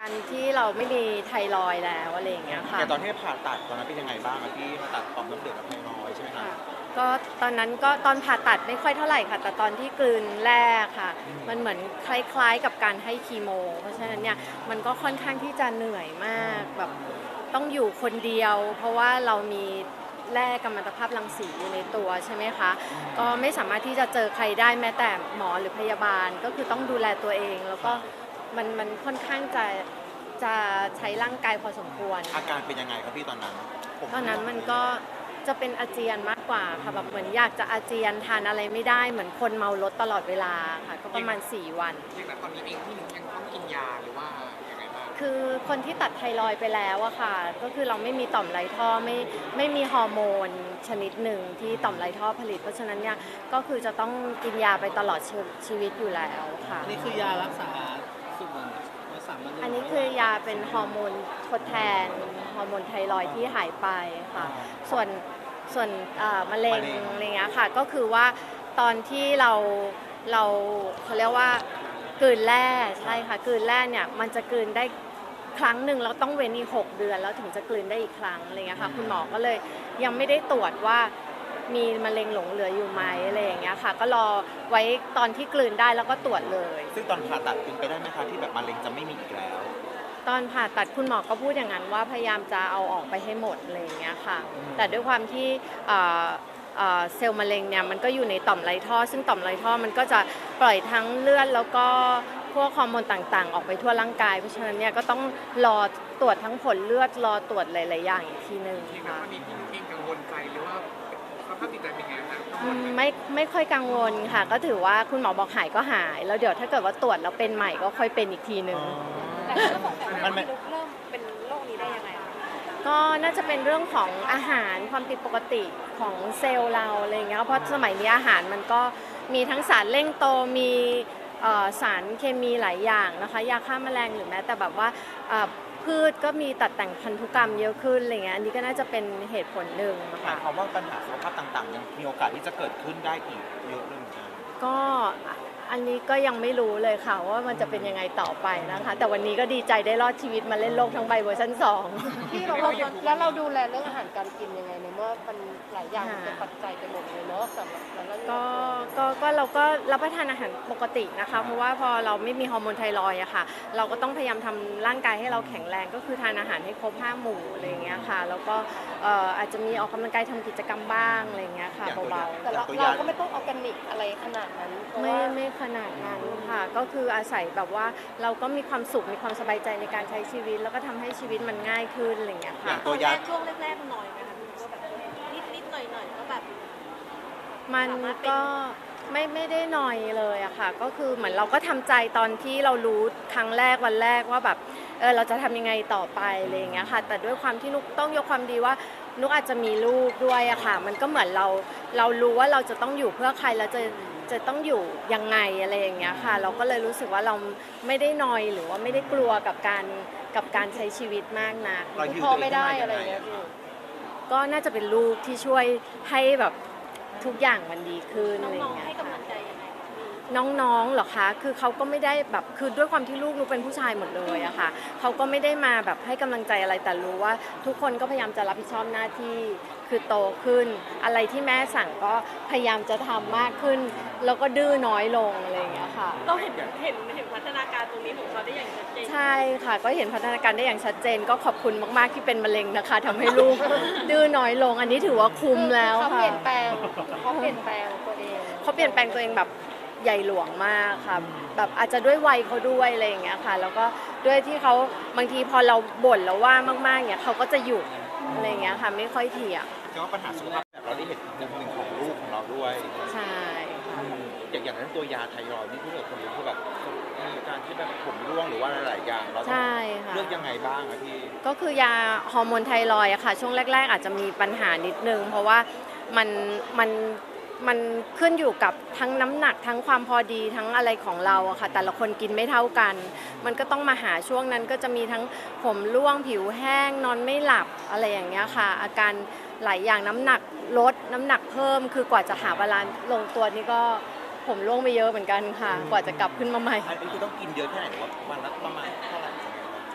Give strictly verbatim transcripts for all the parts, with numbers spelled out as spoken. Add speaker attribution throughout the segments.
Speaker 1: การที่เราไม่มีไทรอยด์แล้วอะไรอย่างเงี้ยค่ะ
Speaker 2: แต่ตอนที่ผ่าตัดตอนนั้นเป็นยังไงบ้างอะพี่ผ่าตัดต่อมน้ำเหลืองกับไทรอยด์ใช่ไหมคะ
Speaker 1: ค่ะก็ตอนนั้นก็ตอนผ่าตัดไม่ค่อยเท่าไหร่ค่ะแต่ตอนที่กลืนแรกค่ะมันเหมือนคล้ายๆกับการให้คีโมเพราะฉะนั้นเนี่ยมันก็ค่อนข้างที่จะเหนื่อยมากแบบต้องอยู่คนเดียว เพราะว่าเรามีแร่กัมมันตภาพรังสีอยู่ในตัวใช่ไหมคะก็ไม่สามารถที่จะเจอใครได้แม้แต่หมอหรือพยาบาลก็คือต้องดูแลตัวเองแล้วก็มันมันค่อนข้างจะจะใช้ร่างกายพอสมควร
Speaker 2: อาการเป็นยังไงครับพี่ตอนนั้น
Speaker 1: ตอนนั้นมันก็จะเป็นอาเจียนมากกว่าค่ะแบบเหมือนอยากจะอาเจียนทานอะไรไม่ได้เหมือนคนเมารถตลอดเวลาค่ะก็ประมาณสี่วัน
Speaker 3: อย่างนั้นตอนนี้เองพี่หนุ่มยังต้องกินยาหรือว่ายังไงบ้าง
Speaker 1: คือคนที่ตัดไทรอยด์ไปแล้วอะค่ะก็คือเราไม่มีต่อมไรท่อไม่ไม่มีฮอร์โมนชนิดหนึ่งที่ต่อมไรท่อผลิตเพราะฉะนั้นเนี่ยก็คือจะต้องกินยาไปตลอดชีวิตอยู่แล้วค่ะ
Speaker 4: อันนี้คือยารักษาส่วนรักษามะเร็ง
Speaker 1: อันนี้คือยาเป็นฮอร์โมนทดแทนฮอร์โมนไทรอยด์ที่หายไปค่ะส่วนส่วนมะเร็งอะไรเงี้ยค่ะก็คือว่าตอนที่เราเราเขาเรียกว่ากลืนแร่ใช่ค่ะกลืนแร่เนี่ยมันจะกลืนได้ครั้งหนึ่งแล้วต้องเว้นอีกหกเดือนแล้วถึงจะกลืนได้อีกครั้งอะไรเงี้ยค่ะคุณหมอก็เลยยังไม่ได้ตรวจว่ามีมะเร็งหลงเหลืออยู่ไหมอะไรอย่างเงี้ยค่ะก็รอไว้ตอนที่กลืนได้แล้วก็ตรวจเลย
Speaker 2: ซึ่งตอนผ่าตัดเป็นไปได้ไหมคะที่แบบมะเร็งจะไม่มีอีกแล้ว
Speaker 1: ตอนผ่าตัดคุณหมอก็พูดอย่างนั้นว่าพยายามจะเอาออกไปให้หมดอะไรอย่างเงี้ยค่ะแต่ด้วยความที่เซลล์มะเร็งเนี่ยมันก็อยู่ในต่อมไรท่อซึ่งต่อมไรท่อมันก็จะปล่อยทั้งเลือดแล้วก็พวกฮอร์โมนต่างๆออกไปทั่วร่างกายเพราะฉะนั้นเนี่ยก็ต้องรอตรวจทั้งผลเลือดรอตรวจหลายๆอย่างอีกทีหนึ่งค่ะ
Speaker 3: ตอนนี้พี่หนุ่มเองกังวลใจหรือว่าสภาพจิตใจเป็นไงคะ
Speaker 1: ไม่ไม่ค่อยกังวลค่ะก็ถือว่าคุณหมอบอกหายก็หายแล้วเดี๋ยวถ้าเกิดว่าตรวจแล้วเป็นใหม่ก็ค่อยเป็นอีกทีหนึ่ง
Speaker 5: แต่เรื่องของแต่ว่าพี่นุ๊กเริ่มเป็นโรคนี้ได้ยังไงคะ
Speaker 1: ก็น่าจะเป็นเรื่องของอาหารความผิดปกติของเซลล์เราอะไรอย่างเงี้ยเพราะสมัยนี้อาหารมันก็มีทั้งสารเร่งโตมีสารเคมีหลายอย่างนะคะยาฆ่าแมลงหรือแม้แต่แบบว่าพืชก็มีตัดแต่งพันธุกรรมเยอะขึ้นอะไรเงี้ยอันนี้ก็น่าจะเป็นเหตุผลหนึ่ง
Speaker 2: หมายความว่าปัญหาสุขภาพต่างๆยังมีโอกาสที่จะเกิดขึ้นได้อีกเยอะเลยเหมือนกัน
Speaker 1: ก็อันนี้ก็ยังไม่รู้เลยค่ะว่ามันจะเป็นยังไงต่อไปนะคะแต่วันนี้ก็ดีใจได้รอดชีวิตมาเล่นโลกทั้งใบเวอร์ชันสอง
Speaker 5: ที่เราแล้วเราดูแลเรื่องอาหารการกินยังไงในเมื่อมันหลายอย่างเป็นปัจจัยไปหมดเลยเนาะสำหรับแล้ว
Speaker 1: ก็ก็ก็เราก็รับประทานอาหารปกตินะคะเพราะว่าพอเราไม่มีฮอร์โมนไทรอยด์อะค่ะเราก็ต้องพยายามทำร่างกายให้เราแข็งแรงก็คือทานอาหารให้ครบห้าหมู่อะไรอย่างเงี้ยค่ะแล้วก็อาจจะมีออกกำลังกายทำกิจกรรมบ้างอะไรอย่างเงี้ยค่ะเบาๆ
Speaker 5: แต่เราเราก็ไม่ต้องออร์แกนิกอะไรขนาดนั้น
Speaker 1: ไม่ไม่ขนาดนั้นค่ะก็คืออาศัยแบบว่าเราก็มีความสุขมีความสบายใจในการใช้ชีวิตแล้วก็ทำให้ชีวิตมันง่ายขึ้นอะไรอย่างเงี้ยค่ะ
Speaker 5: ตัวยาช่วงแรกๆหน่อยนะคะก็แบบนิดนิดหน่อยหน่อยก็แบบ
Speaker 1: มันก็ไม่ไม่ได้หน่อยเลยอะค่ะก็คือเหมือนเราก็ทำใจตอนที่เรารู้ครั้งแรกวันแรกว่าแบบเออเราจะทำยังไงต่อไปอะไรอย่างเงี้ยค่ะแต่ด้วยความที่นุกต้องยกความดีว่านุกอาจจะมีลูกด้วยอะค่ะมันก็เหมือนเราเรารู้ว่าเราจะต้องอยู่เพื่อใครแล้วจะจะต้องอยู่ยังไงอะไรอย่างเงี้ยค่ะเราก็เลยรู้สึกว่าเราไม่ได้นอยหรือว่าไม่ได้กลัวกับการกับการใช้ชีวิตมากนัก
Speaker 5: พอไม่ได้อะไรเงี้ย
Speaker 1: ก็น่าจะเป็นลูกที่ช่วยให้แบบทุกอย่างมันดีขึ้นอะไรอย่างเงี้ย
Speaker 5: ให้กำลังใจยังไง
Speaker 1: น้องๆเหรอคะคือเขาก็ไม่ได้แบบคือด้วยความที่ลูกนุกเป็นผู้ชายหมดเลยอะค่ะเขาก็ไม่ได้มาแบบให้กำลังใจอะไรแต่รู้ว่าทุกคนก็พยายามจะรับผิดชอบหน้าที่คือโตขึ้นอะไรที่แม่สั่งก็พยายามจะทำมากขึ้นแล้วก็ดื้อน้อยลงอะไรอย่างเงี้ยค่ะ
Speaker 5: เราเห็นเห็นเห็นพัฒนาการตรงนี้ของเขาได้อย่างชัดเจน
Speaker 1: ใช่ค่ะก็เห็นพัฒนาการได้อย่างชัดเจนก็ขอบคุณมากๆที่เป็นมะเร็งนะคะทำให้ลูกดื้อน้อยลงอันนี้ถือว่าคุ้มแล้ว
Speaker 5: ค่ะเขาเปลี่ยนแปลงเขาเปลี่ยนแปลงตัวเอง
Speaker 1: เขาเปลี่ยนแปลงตัวเองแบบใหญ่หลวงมากค่ะแบบอาจจะด้วยวัยเขาด้วยอะไรอย่างเงี้ยค่ะแล้วก็ด้วยที่เขาบางทีพอเราบ่นแล้วว่ามากๆเนี่ยเขาก็จะหยุดอะไรอย่างเงี้ยค่ะไม่ค่อยเถียง
Speaker 2: แต่ว่าปัญหาสุขภาพแบบเราได้เห็นหนึ่งหนึ่งของลูกของเราด้วย
Speaker 1: ใช่ค่ะ
Speaker 2: อย่างอย่างนั้นตัวยาไทรอยด์นี่ที่เกิดคนรู้คือแบบมีการที่แบบผมร่วงหรือว่าหลายๆอย่างเราต้องเลือกยังไงบ้างอะพี่
Speaker 1: ก็คือยาฮอร์โมนไทรอยด์อะค่ะช่วงแรกๆอาจจะมีปัญหานิดนึงเพราะว่ามันมันมันขึ้นอยู่กับทั้งน้ำหนักทั้งความพอดีทั้งอะไรของเราอะค่ะแต่ละคนกินไม่เท่ากันมันก็ต้องมาหาช่วงนั้นก็จะมีทั้งผมร่วงผิวแห้งนอนไม่หลับอะไรอย่างเงี้ยค่ะอาการหลายอย่างน้ำหนักลดน้ำหนักเพิ่มคือกว่าจะหาบาลานซ์ลงตัวนี่ก็ผมร่วงไปเยอะเหมือนกันค่ะกว่าจะกลับขึ้นมาใหม่
Speaker 2: อันนี้คือต้องกินเยอะแค่ไหนหรือว่าวันละประมาณเท่าไหร่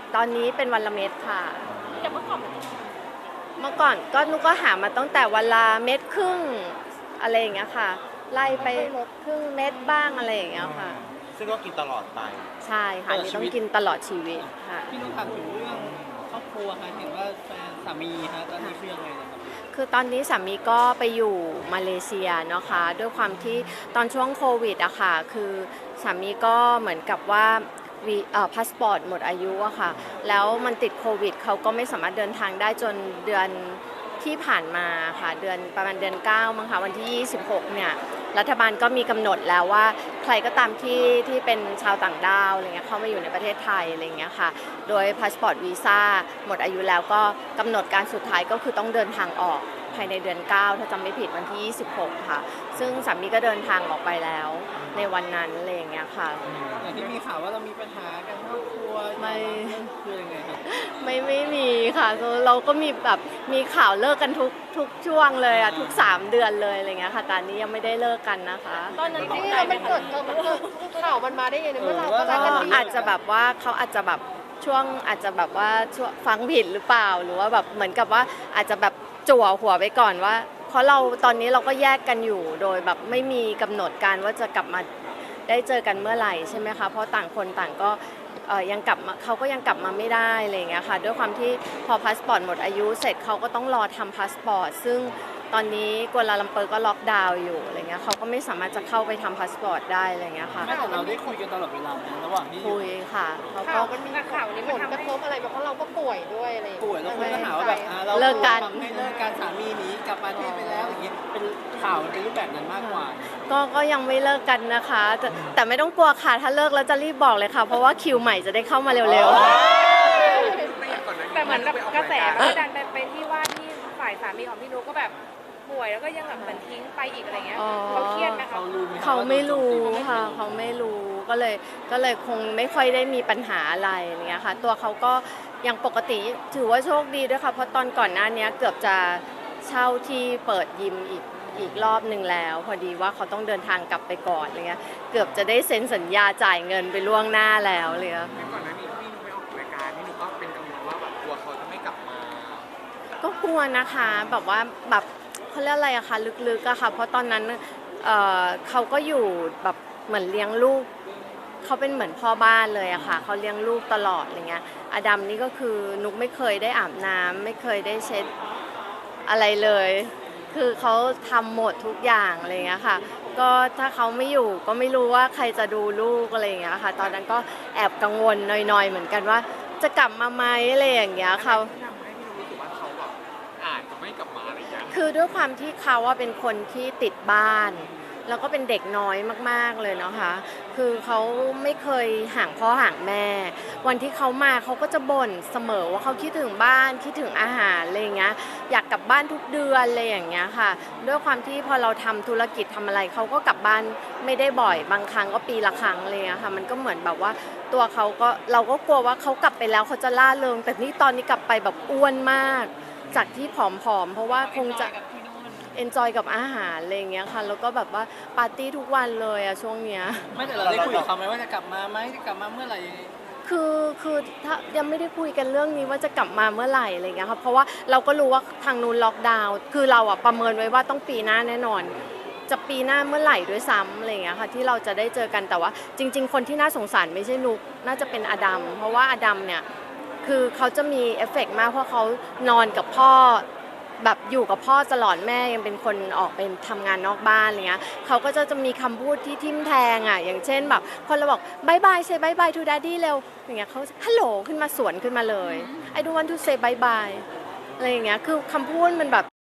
Speaker 1: ตอนนี้เป็นวันละเม็ดค่ะ
Speaker 5: แต่เมื่อก่อนมัน
Speaker 1: เมื่อก่อนก็นุกก็หามาตั้งแต่วันละเม็ดครึ่งอะไรอย่างเงี้ยค่ะ ไล่ไปครึ่งเม็ดบ้างอะไรอย่างเงี้ยค่ะ
Speaker 2: ซึ่งก็กินตลอดไป
Speaker 1: ใช่ค่ะนี่ต้องกินตลอดชีวิตค่ะ
Speaker 4: พี่นุ๊กถามถึงเรื่องครอบครัวฮะเห็นว่าแฟนสามีฮะตอนนี้คือยังไงนะครับ
Speaker 1: คือตอนนี้สามีก็ไปอยู่มาเลเซียเนาะคะด้วยความที่ตอนช่วงโควิดอะค่ะคือสามีก็เหมือนกับว่าวีเอ่อพาสปอร์ตหมดอายุอะค่ะแล้วมันติดโควิดเขาก็ไม่สามารถเดินทางได้จนเดือนที่ผ่านมาค่ะเดือนประมาณเดือนเก้ามั้งคะวันที่ยี่สิบหกเนี่ยรัฐบาลก็มีกำหนดแล้วว่าใครก็ตามที่ที่เป็นชาวต่างด้าวอะไรเงี้ยเข้ามาอยู่ในประเทศไทยอะไรเงี้ยค่ะโดยพาสปอร์ตวีซ่าหมดอายุแล้วก็กำหนดการสุดท้ายก็คือต้องเดินทางออกภายในเดือนเก้าถ้าจำไม่ผิดวันที่ยี่สิบหกค่ะซึ่งสามีก็เดินทางออกไปแล้วในวันนั้นอะไรอย่างเงี้ยค่ะ
Speaker 4: อย่างที่มีข่าวว่าเรามีปัญหากันครอบครัว
Speaker 1: ไม่
Speaker 4: คือยังไงครับ
Speaker 1: ไม่ไม่มีค่ะเราก็มีแบบมีข่าวเลิกกันทุกทุกช่วงเลยอะทุกสามเดือนเลยอะไรเงี้ยค่ะแต่อันนี้ยังไม่ได้เลิกกันนะคะ
Speaker 5: ตอนนั้นที่เรามันเกิดเออมันเกิดข่าวมันมาได้ยังไงเมื่อเราก็รัก
Speaker 1: ก็
Speaker 5: กันดี
Speaker 1: อาจจะแบบว่าเขาอาจจะแบบช่วงอาจจะแบบว่าช่วงฟังผิดหรือเปล่าหรือว่าแบบเหมือนกับว่าอาจจะแบบจั่วหัวไปก่อนว่า เพราะเราตอนนี้เราก็แยกกันอยู่โดยแบบไม่มีกำหนดการว่าจะกลับมาได้เจอกันเมื่อไหร่ใช่ไหมคะเพราะต่างคนต่างก็เอ่อยังกลับมาเขาก็ยังกลับมาไม่ได้อะไรอย่างเงี้ยค่ะด้วยความที่พอพาสปอร์ตหมดอายุเสร็จเขาก็ต้องรอทำพาสปอร์ตซึ่งตอนนี้กัวลาลัมเปอร์ก็ล็อกดาวน์อยู่อะไรเงี้ยเขาก็ไม่สามารถจะเข้าไปทำพาสปอร์ตได้อะไรเงี้ยค่ะ
Speaker 4: ไม่แต่เราได้คุยกันตลอดเวลานะระหว่างที่
Speaker 1: คุยค่ะเขาก็
Speaker 5: ข่าวมันมีข่าวนี้ผลกระทบอะไรแบบเพราะเราก็ป่วยด้วยอะไรอย่าง
Speaker 4: ป่
Speaker 5: เงี้
Speaker 4: วยแล้วคนก็หาว่าแบบอ่าเรา
Speaker 1: เลิกกัน
Speaker 4: ทำให้เลิกการสามีหนีกลับประเทศไปแล้วอย่างเงี้ยเป็นข่าวมันเป็นรูปแบบนั้นมากกว่า
Speaker 1: ก็ก็ยังไม่เลิกกันนะคะแต่แต่ไม่ต้องกลัวค่ะ ถ้าเลิกแล้วจะรีบบอกเลยค่ะ เพราะว่าคิวใหม่จะได้เข้ามาเร็ว
Speaker 3: ไม่อย่างก่อนหน้านี้
Speaker 6: แต่เหมือนกับ
Speaker 3: ไปออก
Speaker 6: กระแส
Speaker 3: าย
Speaker 6: มันก็ดันไปไปที่ว่าที่ฝ่ายสามีของพี่นุ๊กก็แบบป่วยแล้วก็ยังแบบเหมือนทิ้งไปอีกอะไรเงี้ย
Speaker 1: อ๋อ
Speaker 6: เขาเครียดไหมคะ
Speaker 4: เขารู้ไหม
Speaker 1: ๆ
Speaker 4: คบ
Speaker 1: เขาไม่รู้
Speaker 4: ว่าโดนโจตี
Speaker 1: ค่ะเขาไม่รู้ก็เลยก็เลยคงไม่ค่อยได้มีปัญหาอะไรอย่างเงี้ยค่ะ ตัวเขาก็ยังปกติถือว่าโชคดีด้วยค่ะเพราะตอนก่อนหน้านี้เกือบจะเช่าที่เปิดยิมอีกอีกรอบหนึ่งแล้ว พอดีว่าเขาต้องเดินทางกลับไปก่อนอะไรเงี้ยเกือบจะได้เซ็นสัญญาจ่ายเงินไปล่วงหน้าแล้วเลยอะ
Speaker 3: ไม่ก่อนหน้านี้พี่นุ๊กไปออกรายการพี่นุ๊กก็เป็นกังวลว่าแบบกลัวเขาจะไม่กลับมา
Speaker 1: ก็กลัวนะคะแบบว่าแบบเขาเรียกอะไรอะคะลึกๆอะค่ะเพราะตอนนั้นเอ่อเขาก็อยู่แบบเหมือนเลี้ยงลูกเขาเป็นเหมือนพ่อบ้านเลยอะค่ะเขาเลี้ยงลูกตลอดอะไรเงี้ยอดัมนี่ก็คือนุกไม่เคยได้อาบน้ำไม่เคยได้เช็ดอะไรเลย คือเขาทำหมดทุกอย่างอะไรเงี้ยค่ะก็ถ้าเขาไม่อยู่ก็ไม่รู้ว่าใครจะดูลูกอะไรอย่างเงี้ยค่ะตอนนั้นก็แอบกังวลหน่อยๆเหมือนกันว่าจะกลับมาไหมอะไรอย่างเงี้ยค่ะ
Speaker 3: ที่ทำให้พี่นุ๊กรู้สึกว่าเขาแบบอาจจะไม่กลับมาอะไรอย่างเงี้ย
Speaker 1: คือด้วยความที่เขาว่าเป็นคนที่ติดบ้าน แล้วก็เป็นเด็กน้อยมากๆเลยเนาะคะคือเขาไม่เคยห่างพ่อห่างแม่ วันที่เขามาเขาก็จะบ่นเสมอว่าเขาคิดถึงบ้านคิดถึงอาหารอะไรอย่างเงี้ยอยากกลับบ้านทุกเดือนอะไรอย่างเงี้ยค่ะด้วยความที่พอเราทำธุรกิจทำอะไรเขาก็กลับบ้านไม่ได้บ่อยบางครั้งก็ปีละครั้งอะไรอย่างเลยค่ะมันก็เหมือนแบบว่าตัวเขาก็เราก็กลัวว่าเขากลับไปแล้วเขาจะล่าเริงแต่นี่ตอนนี้กลับไปแบบอ้วนมาก จากที่ผอมๆเพราะว่าคงจะเอนจอยกับอาหารอะไรอย่างเงี้ยค่ะแล้วก็แบบว่าปาร์ตี้ทุกวันเลยอะช่วงเนี้ย
Speaker 4: ไม่แต่เราได้คุยกับเขาไหมว่าจะกลับมาไหมจะกลับมาเมื่อไหร่ยังไง
Speaker 1: คือคือถ้ายังไม่ได้คุยกันเรื่องนี้ว่าจะกลับมาเมื่อไหร่อะไรเงี้ยค่ะเพราะว่าเราก็รู้ว่าทางนู้นล็อกดาวน์คือเราอะประเมินไว้ว่าต้องปีหน้าแน่นอน จะปีหน้าเมื่อไหร่ด้วยซ้ำอะไรเงี้ยค่ะที่เราจะได้เจอกันแต่ว่าจริง ๆ คนที่น่าสงสารไม่ใช่นุกน่าจะเป็นอดัมเพราะว่าอดัมเนี่ยคือเขาจะมีเอฟเฟกต์มากเพราะเขานอนกับพ่อแบบอยู่กับพ่อตลอดแม่ยังเป็นคนออกไปทำงานนอกบ้านอะไรเงี้ยเขาก็จะจะมีคำพูดที่ทิ่มแทงอ่ะอย่างเช่นแบบคนเราบอกบายบายเซบายบายทูดาดี้เร็วอย่างเงี้ยเขาฮัลโหลขึ้นมาสวนขึ้นมาเลย I don't want to say bye bye อะไรอย่างเงี้ยคือคำพูดมันแบบ